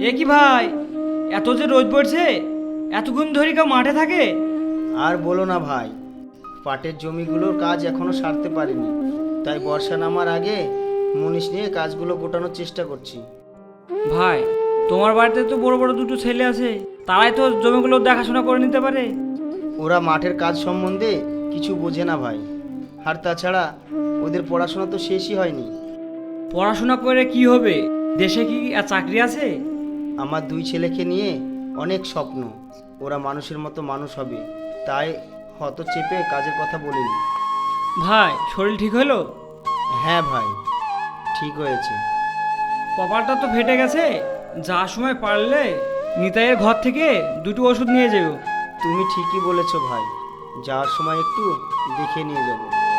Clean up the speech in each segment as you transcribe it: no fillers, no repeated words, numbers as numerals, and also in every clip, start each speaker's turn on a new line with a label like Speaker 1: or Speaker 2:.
Speaker 1: এ কি ভাই, এত যে রোদ পড়ছে, এতক্ষণ ধরে কেউ মাঠে থাকে?
Speaker 2: আর বলো না ভাই, পাটের জমিগুলোর কাজ এখনো সারতে পারিনি, তাই বর্ষা নামার আগে মুনিশ নিয়ে কাজগুলো গোটানোর চেষ্টা করছি।
Speaker 1: ভাই, তোমার বাড়িতে তো বড় বড় দুটো ছেলে আছে, তারাই তো জমিগুলো দেখাশোনা করে নিতে পারে।
Speaker 2: ওরা মাঠের কাজ সম্বন্ধে কিছু বোঝে না ভাই, আর তাছাড়া ওদের পড়াশোনা তো শেষই হয়নি।
Speaker 1: পড়াশোনা করে কি হবে? দেশে কি আর চাকরি আছে?
Speaker 2: আমার দুই ছেলেকে নিয়ে অনেক স্বপ্ন, ওরা মানুষের মতো মানুষ হবে, তাই হত চেপে কাজের কথা বলিনি।
Speaker 1: ভাই, শরীর ঠিক হলো?
Speaker 2: হ্যাঁ ভাই, ঠিক হয়েছে।
Speaker 1: কপালটা তো ফেটে গেছে, যাওয়ার সময় পারলে নিতাইয়ের ঘর থেকে দুটো ওষুধ নিয়ে যেও।
Speaker 2: তুমি ঠিকই বলেছো ভাই, যাওয়ার সময় একটু দেখে নিয়ে যাব।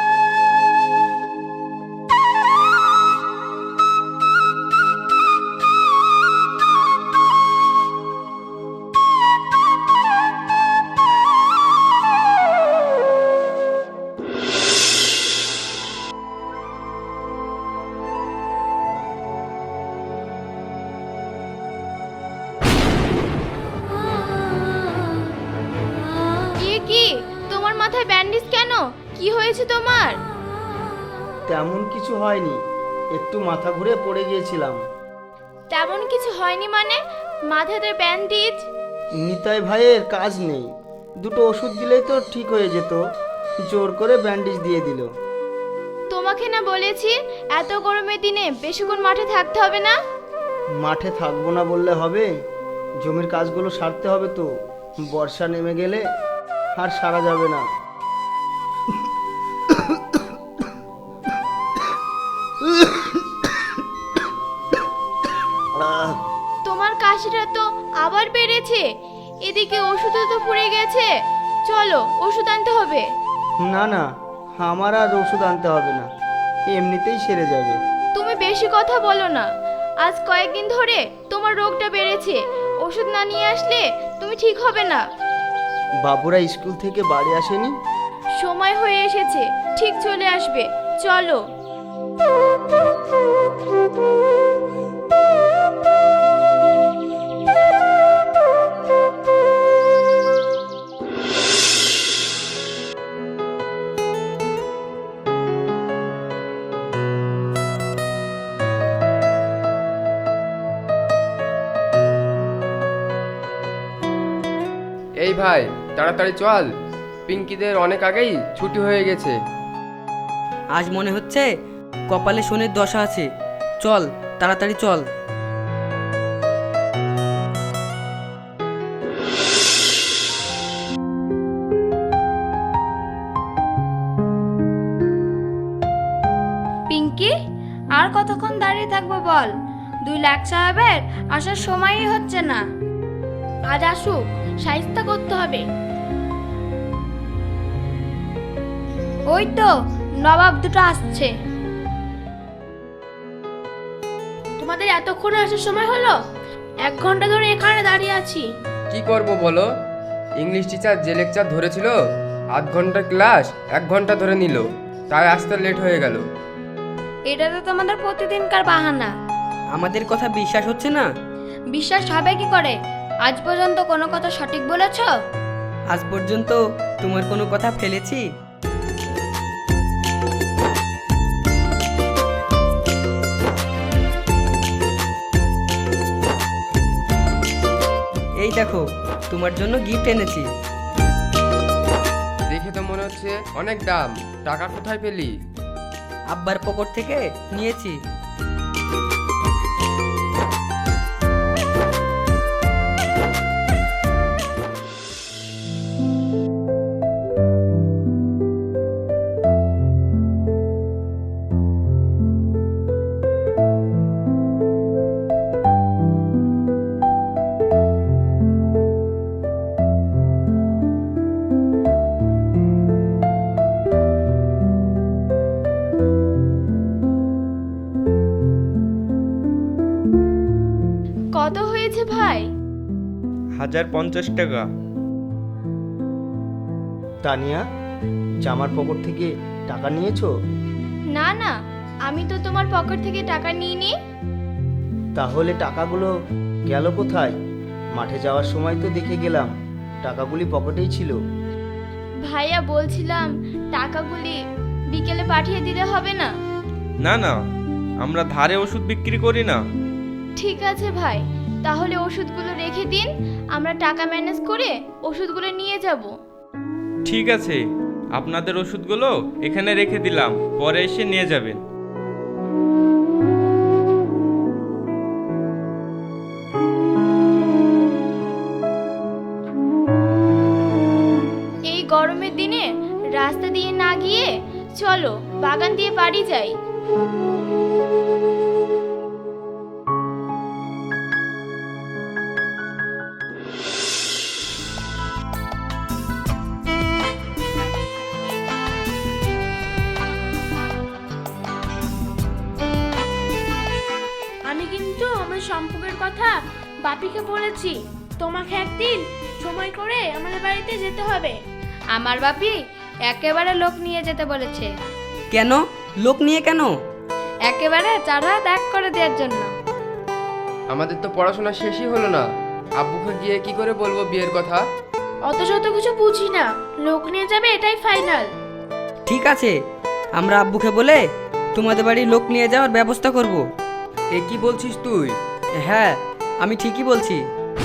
Speaker 3: কি তোমার মাথায় ব্যান্ডেজ কেন? কি হয়েছে তোমার?
Speaker 2: তেমন কিছু হয়নি, একটু মাথা ঘুরে পড়ে গিয়েছিলাম।
Speaker 3: তেমন কিছু হয়নি মানে? মাথাতে ব্যান্ডেজ?
Speaker 2: নিতাই ভাইয়ের কাজ নেই, দুটো ওষুধ দিলেই তো ঠিক হয়ে যেত, জোর করে ব্যান্ডেজ দিয়ে দিল।
Speaker 3: তোমাকে না বলেছি এত গরমের দিনে বেশিক্ষণ মাঠে থাকতে হবে না?
Speaker 2: মাঠে থাকবো না বললে হবে? জমির কাজগুলো সারতে হবে তো, বর্ষা নেমে গেলে আর সারা যাবে না।
Speaker 3: তোমার কাশিটা তো আবার বেড়েছে, এদিকে ওষুধও তো পুড়ে গেছে। চলো ওষুধ আনতে হবে।
Speaker 2: না না, আমার আর ওষুধ আনতে হবে না, এমনিতেই সেরে যাবে।
Speaker 3: তুমি বেশি কথা বলো না, আজ কয়েকদিন ধরে তোমার রোগটা বেড়েছে, ওষুধ না নিয়ে আসলে তুমি ঠিক হবে না।
Speaker 2: বাবুরা স্কুল থেকে বাড়ি আসেনি?
Speaker 3: সময় হয়ে এসেছে, ঠিক চলে আসবে, চলো।
Speaker 4: এই ভাই, তাড়াতাড়ি চল, পিঙ্কিদের অনেক আগেই ছুটি হয়ে গেছে।
Speaker 5: আজ মনে হচ্ছে কপালে শনির দশা আছে। চল তাড়াতাড়ি চল।
Speaker 3: পিঙ্কি, আর কতক্ষণ দাঁড়িয়ে থাকবো বল? 2 লাখ সাহেবের আসার সময়ই হচ্ছে না। আজ আসুক, সাহিত্য করতে হবে। ওই তো নবাব দুটো আসছে। তোমাদের এতক্ষণ আসার সময় হলো? 1 ঘন্টা ধরে এখানে দাঁড়িয়ে আছি।
Speaker 4: কি করব বলো, ইংলিশ টিচার যে লেকচার ধরেছিল, আধ ঘন্টার ক্লাস 1 ঘন্টা ধরে নিল, তাই আসতে লেট হয়ে গেল।
Speaker 3: এটা তো তোমাদের প্রতিদিনকার বাহানা।
Speaker 5: আমাদের কথা বিশ্বাস হচ্ছে না?
Speaker 3: বিশ্বাস হবে কি করে? আজ পর্যন্ত কোনো কথা সঠিক বলেছ?
Speaker 5: আজ পর্যন্ত তোমার কোনো কথা ফেলেছি? এই দেখো, তোমার জন্য গিফট এনেছি।
Speaker 4: দেখে তো মনে হচ্ছে অনেক দাম, টাকা কোথায় পেলি?
Speaker 5: আব্বার পকেট থেকে নিয়েছি।
Speaker 3: কত হয়েছে ভাই?
Speaker 1: 1050 টাকা।
Speaker 2: তানিয়া, জামার পকেট থেকে টাকা নিয়েছো?
Speaker 3: না না, আমি তো তোমার পকেট থেকে টাকা নিইনি।
Speaker 2: তাহলে টাকাগুলো গেল কোথায়? মাঠে যাওয়ার সময় তো দেখে গেলাম টাকাগুলি পকেটেই ছিল।
Speaker 3: ভাইয়া বলছিলাম টাকাগুলি বিকেলে পাঠিয়ে দিলে হবে না?
Speaker 6: না না, আমরা ধারে ওষুধ বিক্রি করি না।
Speaker 3: ঠিক আছে ভাই, তাহলে ওষুধগুলো রেখে দিন, আমরা টাকা ম্যানেজ করে ওষুধগুলো নিয়ে যাব।
Speaker 6: ঠিক আছে, আপনাদের ওষুধগুলো এখানে রেখে দিলাম, পরে এসে নিয়ে যাবেন।
Speaker 3: এই গরমের দিনে রাস্তা দিয়ে না গিয়ে চলো বাগান দিয়ে বাড়ি যাই।
Speaker 7: আমি কিন্তু আমার সম্পর্কের কথা বাপিকে বলেছি, তোমাকে একদিন সময় করে আমাদের বাড়িতে যেতে হবে।
Speaker 3: আমার বাপি একেবারে লোক নিয়ে যেতে বলেছে।
Speaker 5: কেন? লোক নিয়ে কেন?
Speaker 3: একেবারে চারা ত্যাগ করে দেওয়ার জন্য।
Speaker 4: আমাদের তো পড়াশোনা শেষই হলো না, আব্বুকে গিয়ে কি করে বলবো বিয়ের কথা?
Speaker 7: অত শত কিছু বুঝি না, লোক নিয়ে যাবে এটাই ফাইনাল।
Speaker 5: ঠিক আছে, আমরা আব্বুকে বলে তোমাদের বাড়ি লোক নিয়ে যাওয়ার ব্যবস্থা করব।
Speaker 4: এ কি বলছিস তুই?
Speaker 5: হ্যাঁ, আমি ঠিকই বলছি।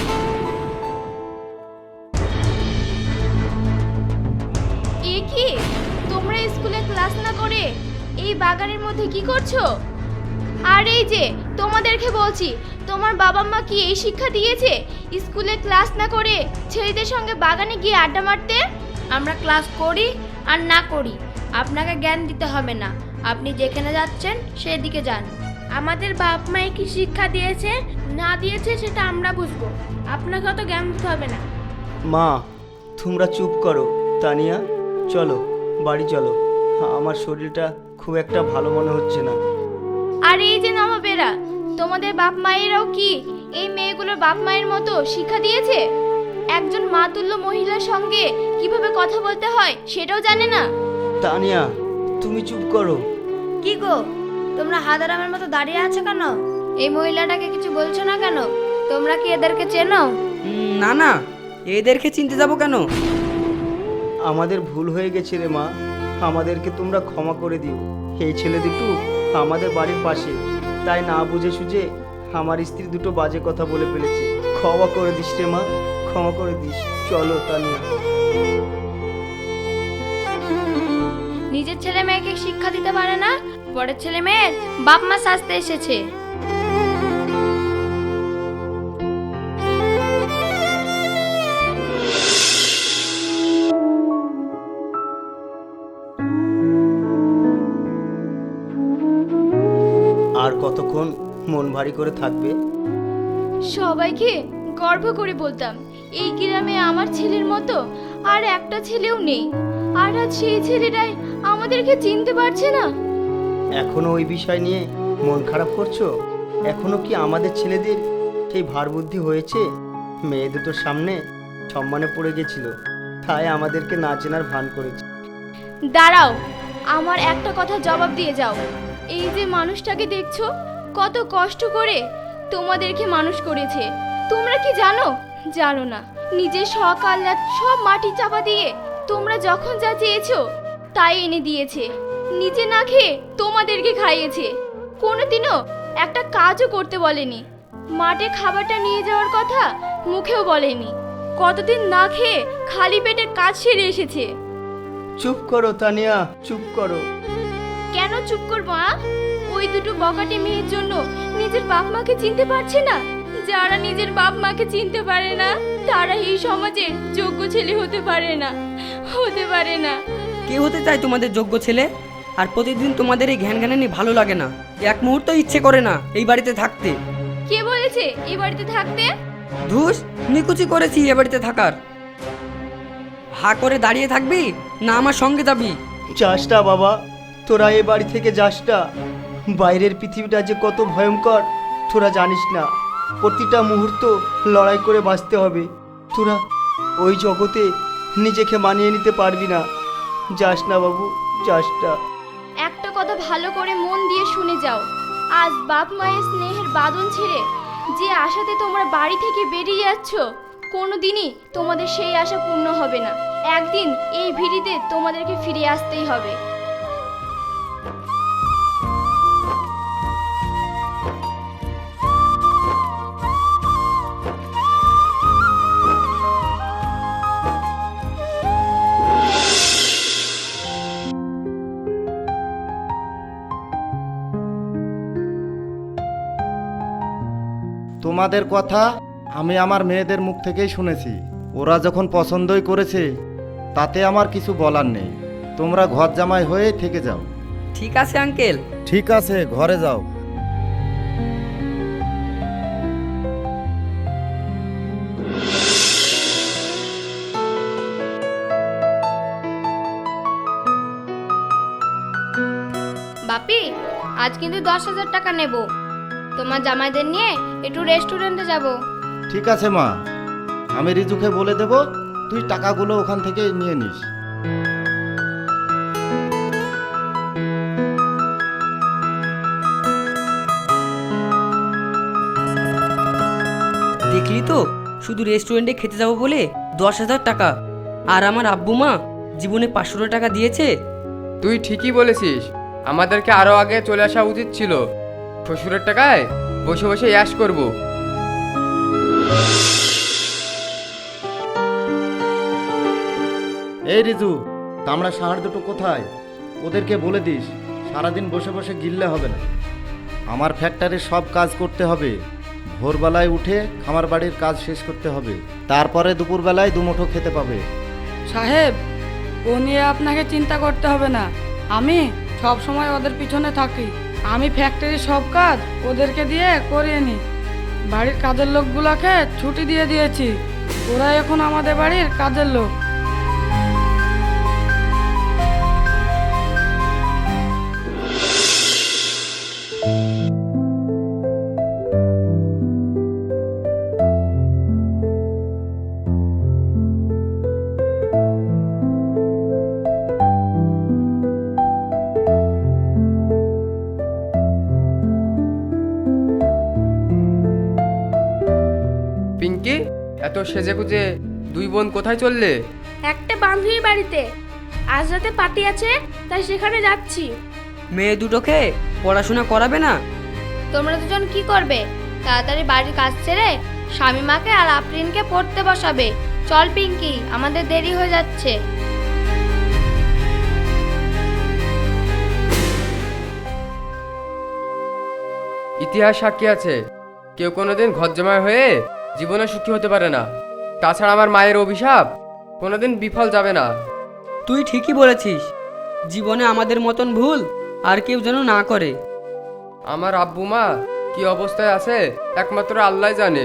Speaker 3: এ কি, তোমরা স্কুলে ক্লাস না করে এই বাগানের মধ্যে কি করছো? আর এই যে তোমাদেরকে বলছি, তোমার বাবা মা কি এই শিক্ষা দিয়েছে স্কুলে ক্লাস না করে ছেলেদের সঙ্গে বাগানে গিয়ে আড্ডা মারতে? আমরা ক্লাস করি আর না করি আপনাকে জ্ঞান দিতে হবে না, আপনি যেখানে যাচ্ছেন সেদিকে যান।
Speaker 7: আমাদের বাপ মায়ে কি শিক্ষা দিয়েছে না দিয়েছে সেটা আমরা বুঝবো, আপনাকে অত জ্ঞান দিতে হবে না।
Speaker 2: মা, তোমরা চুপ করো। তানিয়া, চলো বাড়ি চলো, আমার শরীরটা খুব একটা ভালো মনে হচ্ছে না।
Speaker 3: আর এই যে নবাবেরা, তোমাদের বাপ মায়েরাও কি এই মেয়েগুলোর বাপ মায়ের মতো শিক্ষা দিয়েছে? একজন মাতুল্য মহিলার সঙ্গে কিভাবে কথা বলতে হয় সেটাও জানে না।
Speaker 2: তানিয়া, তুমি চুপ করো।
Speaker 3: কি গো, তোমরা হাদারামের মতো দাঁড়িয়ে আছো কেন? এই মহিলাটাকে কিছু বলছো না কেন? তোমরা কি এদেরকে চেনো?
Speaker 5: না না, এদেরকে চিনতে যাব কেন?
Speaker 2: আমাদের ভুল হয়ে গেছে রে মা, আমাদেরকে তোমরা ক্ষমা করে দিও। এই ছেলে দুটো আমাদের বাড়ির পাশে, তাই না বুঝে সুঝে আমার স্ত্রী দুটো বাজে কথা বলে ফেলেছে। ক্ষমা করে দিস রে মা, ক্ষমা করে দিস। চলো তানিয়া।
Speaker 3: নিজের ছেলে মেয়েকে শিক্ষা দিতে পারে না, পরের ছেলে মেয়ের বাপ মা সাজতে এসেছে।
Speaker 2: আর কতক্ষণ মন ভারী করে থাকবে?
Speaker 3: সবাইকে গর্ব করে বলতাম এই গ্রামে আমার ছেলের মতো আর একটা ছেলেও নেই, আর আজ সেই ছেলেটাই আমাদেরকে চিনতে পারছে না।
Speaker 2: এখনো ওই বিষয় নিয়ে মন খারাপ করছো? এখনো কি আমাদের ছেলেদের সেই ভার বুদ্ধি হয়েছে? মেয়ে দুটোর সামনে সম্মানে পড়ে গেছিল, তাই আমাদেরকে না চেনার ভান করেছে।
Speaker 3: দাঁড়াও, আমার একটা কথা জবাব দিয়ে যাও। এই যে মানুষটাকে দেখছো, কত কষ্ট করে তোমাদেরকে মানুষ করেছে। তোমরা কি জানো? জানো না। নিজের শখ আহ্লাদ সব মাটি চাপা দিয়ে তোমরা যখন যা চেয়েছো তাই এনে দিয়েছে। নিজে না খেয়ে তোমাদেরকে খাইয়েছে, কোনোদিনও একটা কাজও করতে বলেনি। মাঠে খাবারটা নিয়ে যাওয়ার কথা মুখেও বলেনি। কতদিন না খেয়ে খালি পেটে কাজ সেরে এসেছে।
Speaker 2: চুপ করো তানিয়া, চুপ করো।
Speaker 3: কেন চুপ করবো? ওই দুটো বকাটে মেয়ের জন্য নিজের বাপ মাকে চিনতে পারছে না। যারা নিজের বাপ মাকে চিনতে পারে না তারা এই সমাজের যোগ্য ছেলে হতে পারে না, হতে পারে না।
Speaker 5: কে হতে চায় তোমাদের যোগ্য ছেলে? আর প্রতিদিন তোমাদের এই ঘ্যানঘ্যানানি ভালো লাগে না, এক মুহূর্ত ইচ্ছে করে না এই বাড়িতে থাকতে।
Speaker 3: কে বলেছে এই বাড়িতে থাকতে?
Speaker 5: ধুস, নিকুচি করেছি এ বাড়িতে থাকার। হা করে দাঁড়িয়ে থাকবি না আমার সঙ্গে যাবি?
Speaker 2: যাসটা বাবা, তোরা এ বাড়ি থেকে যাসটা। বাইরের পৃথিবীটা যে কত ভয়ঙ্কর তোরা জানিস না। প্রতিটা মুহূর্ত লড়াই করে বাঁচতে হবে। তোরা ওই জগতে নিজেকে মানিয়ে নিতে পারবি না। যাস না বাবু, যাসটা।
Speaker 3: একটা কথা ভালো করে মন দিয়ে শুনে যাও। আজ বাপ মায়ের স্নেহের বাঁধন ছেড়ে যে আশাতে তোমরা বাড়ি থেকে বেরিয়ে যাচ্ছ কোনোদিনই তোমাদের সেই আশা পূর্ণ হবে না। একদিন এই ভিড়িতে তোমাদেরকে ফিরে আসতেই হবে।
Speaker 8: তোমাদের কথা আমি আমার মেয়েদের মুখ থেকেই শুনেছি। ওরা যখন পছন্দই করেছে তাতে আমার কিছু বলার নেই। তোমরা ঘর জামাই হয়ে থেকে যাও।
Speaker 5: ঠিক আছে আঙ্কেল।
Speaker 8: ঠিক আছে, ঘরে যাও।
Speaker 3: বাপি, আজ কিন্তু 10,000 টাকা নেব। তোমার জামাইদের নিয়ে একটু রেস্টুরেন্টে যাব।
Speaker 8: ঠিক আছে মা, আমি রিজুকে বলে দেব, তুই টাকাগুলো ওখান থেকে নিয়ে নিস।
Speaker 5: দেখলি তো, শুধু রেস্টুরেন্টে খেতে যাব বলে 10,000 টাকা, আর আমার আব্বু মা জীবনে 500 টাকা দিয়েছে।
Speaker 4: তুই ঠিকই বলেছিস, আমাদেরকে আরো আগে চলে আসা উচিত ছিল। শ্বশুরের টাকায় বসে বসে ইয়াশ করব।
Speaker 8: এই রিজু, তামড়া সাহার দুটো কোথায়? ওদেরকে বলে দিস সারাদিন বসে বসে গিললে হবে না। আমার ফ্যাক্টরির সব কাজ করতে হবে। ভোরবেলায় উঠে খামার বাড়ির কাজ শেষ করতে হবে, তারপরে দুপুরবেলায় দুমুঠো খেতে পাবে।
Speaker 9: সাহেব, ও নিয়ে আপনাকে চিন্তা করতে হবে না। আমি সব সময় ওদের পিছনে থাকি। আমি ফ্যাক্টরির সব কাজ ওদেরকে দিয়ে করিয়ে নিই। বাড়ির কাজের লোকগুলোকে ছুটি দিয়ে দিয়েছি। ওরা এখন আমাদের বাড়ির কাজের লোক।
Speaker 4: পিঙ্কি, এত সেজে গুজে দুই বোন কোথায় চললে?
Speaker 7: একটা বান্ধবীর বাড়িতে আজ রাতে পার্টি আছে, তাই সেখানে যাচ্ছি।
Speaker 5: মেয়ে দুটোকে পড়াশোনা করাবে না?
Speaker 3: তোমরা দুজন কি করবে? তাড়াতাড়ি বাড়ির কাজ ছেড়ে শামিমাকে আর আফরিনকে পড়তে বসাবে। চল পিঙ্কি, আমাদের দেরি হয়ে যাচ্ছে।
Speaker 4: ইতিহাস সাক্ষী আছে, কেউ কোনোদিন ঘর জমায় হয়ে জীবনে সুখী হতে পারে না। তাছাড়া আমার মায়ের অভিশাপ কোনোদিন বিফল যাবে না।
Speaker 5: তুই ঠিকই বলেছিস, জীবনে আমাদের মতন ভুল আর কেউ যেন না করে।
Speaker 4: আমার আব্বু মা কি অবস্থায় আছে একমাত্র আল্লাহ জানে।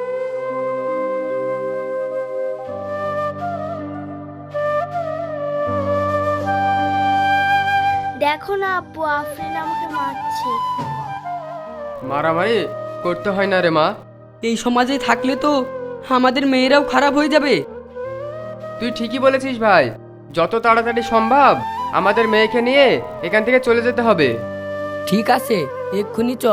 Speaker 7: দেখো না আব্বু, আফরিন আমাকে মারছে।
Speaker 4: মারামারি করতে হয় না রে মা।
Speaker 5: এই সমাজে থাকলে তো আমাদের মেয়েরাও খারাপ হয়ে যাবে।
Speaker 4: তুই ঠিকই বলেছিস ভাই, যত তাড়াতাড়ি সম্ভব আমাদের মেয়েকে নিয়ে এখান থেকে চলে যেতে হবে।
Speaker 5: ঠিক আছে, এক্ষুনি চ।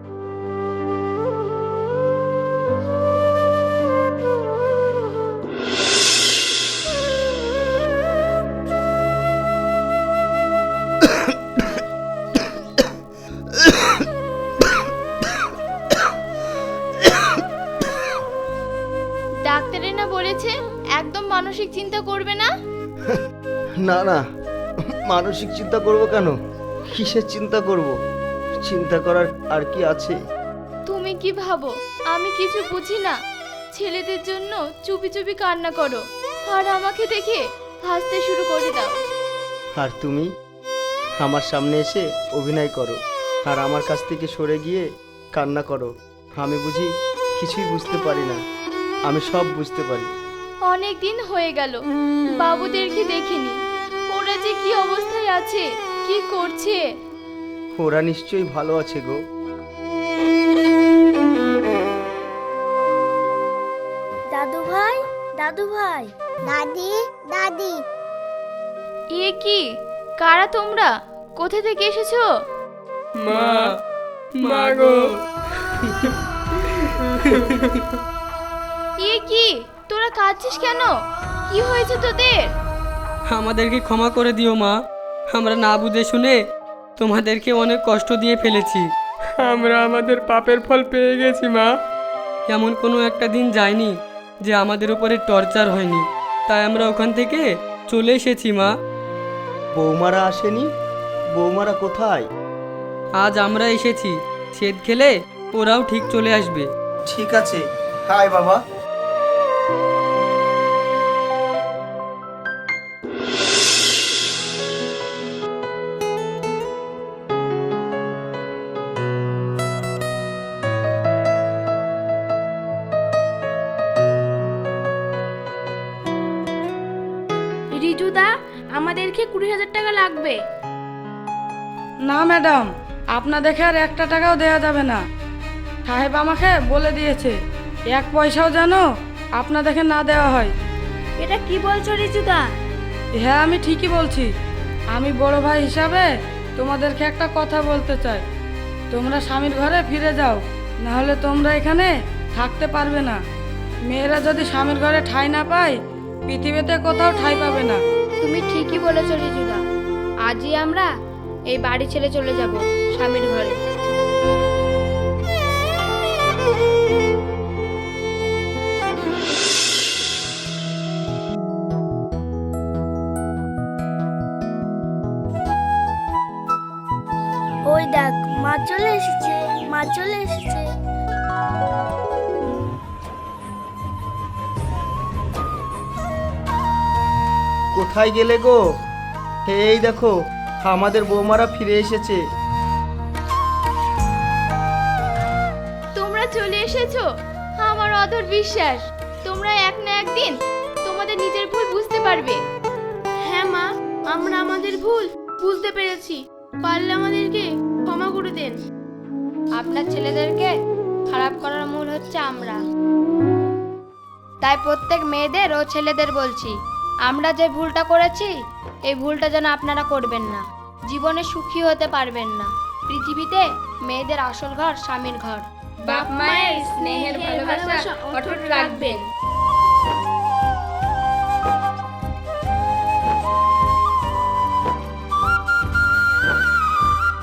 Speaker 3: ডাক্তারের না বলেছে একদম মানসিক চিন্তা করবে না?
Speaker 2: না না, মানসিক চিন্তা করব কেন? কিসের চিন্তা করব? চিন্তা করার আর কি আছে?
Speaker 3: তুমি কি ভাবো আমি কিছু বুঝি না? ছেলেদের জন্য চুপি চুপি কান্না করো আর আমাকে দেখে হাসতে শুরু করে দাও।
Speaker 2: আর তুমি আমার সামনে এসে অভিনয় করো আর আমার কাছ থেকে সরে গিয়ে কান্না করো। আমি বুঝি কিছুই বুঝতে পারি না? আমি সব বুঝতে পারি।
Speaker 3: অনেক দিন হয়ে গেল বাবুদেরকে দেখিনি। ওরা যে কি অবস্থায় আছে, কি করছে।
Speaker 2: ওরা নিশ্চয়ই ভালো আছে গো।
Speaker 7: দাদু ভাই, দাদু ভাই, দাদি, দাদি।
Speaker 3: এ কি, কারা তোমরা? কোথা থেকে এসেছো?
Speaker 4: মা, মা গো।
Speaker 3: এ কি, তোরা কাঁদছিস কেন? কি হয়েছে তোদের?
Speaker 5: আমাদেরকে ক্ষমা করে দিও মা, আমরা না বুঝে শুনে তোমাদেরকে অনেক কষ্ট দিয়ে ফেলেছি।
Speaker 4: আমরা আমাদের পাপের ফল পেয়ে গেছি মা।
Speaker 5: এমন কোনো একটা দিন যায়নি যে আমাদের উপরে টর্চার হয়নি, তাই আমরা ওখান থেকে চলে এসেছি মা।
Speaker 2: বৌমারা আসেনি? বৌমারা কোথায়?
Speaker 5: আজ আমরা এসেছি, সেদ খেলে ওরাও ঠিক চলে আসবে।
Speaker 2: ঠিক আছে, হাই বাবা।
Speaker 7: রিজুদা, আমাদেরকে 20,000 টাকা লাগবে।
Speaker 9: না ম্যাডাম, আপনাদেরকে আর একটা টাকাও দেওয়া যাবে না। সাহেব আমাকে বলে দিয়েছে 1 পয়সাও যেন আপনাদেরকে না দেওয়া হয়।
Speaker 7: এটা কি বলছো রিজুদা?
Speaker 9: হ্যাঁ, আমি ঠিকই বলছি। আমি বড় ভাই হিসাবে তোমাদেরকে একটা কথা বলতে চাই। তোমরা স্বামীর ঘরে ফিরে যাও, না হলে তোমরা এখানে থাকতে পারবে না। মেয়েরা যদি স্বামীর ঘরে ঠাঁই না পায়, পৃথিবীতে কোথাও ঠাঁই পাবে না।
Speaker 3: তুমি ঠিকই বলেছো রিজুদা, আজই আমরা এই বাড়ি ছেড়ে চলে যাব স্বামীর ঘরে।
Speaker 7: ওই দেখ, মা চলে এসেছে, মা চলে এসেছে।
Speaker 2: কোথায় গেলে গো? এই দেখো, আমাদের বৌমারা ফিরে এসেছে।
Speaker 3: তোমরা চলে এসেছো, আমার অধর বিশ্বাস তোমরা এক না একদিন তোমাদের নিজের ভুল বুঝতে পারবে।
Speaker 7: হ্যাঁ মা, আমরা আমাদের ভুল বুঝতে পেরেছি। পারলে আমাদেরকে ক্ষমা করে দেন।
Speaker 3: আপনার ছেলেদেরকে খারাপ করার মূল হচ্ছে আমরা। তাই প্রত্যেক মেয়েদের ও ছেলেদের বলছি, আমরা যে ভুলটা করেছি এই ভুলটা যেন আপনারা করবেন না। জীবনে সুখী হতে পারবেন না। পৃথিবীতে মেয়েদের আসল ঘর স্বামীর ঘর। বাপ মায়ের স্নেহের ভালোবাসা অটুট রাখবেন।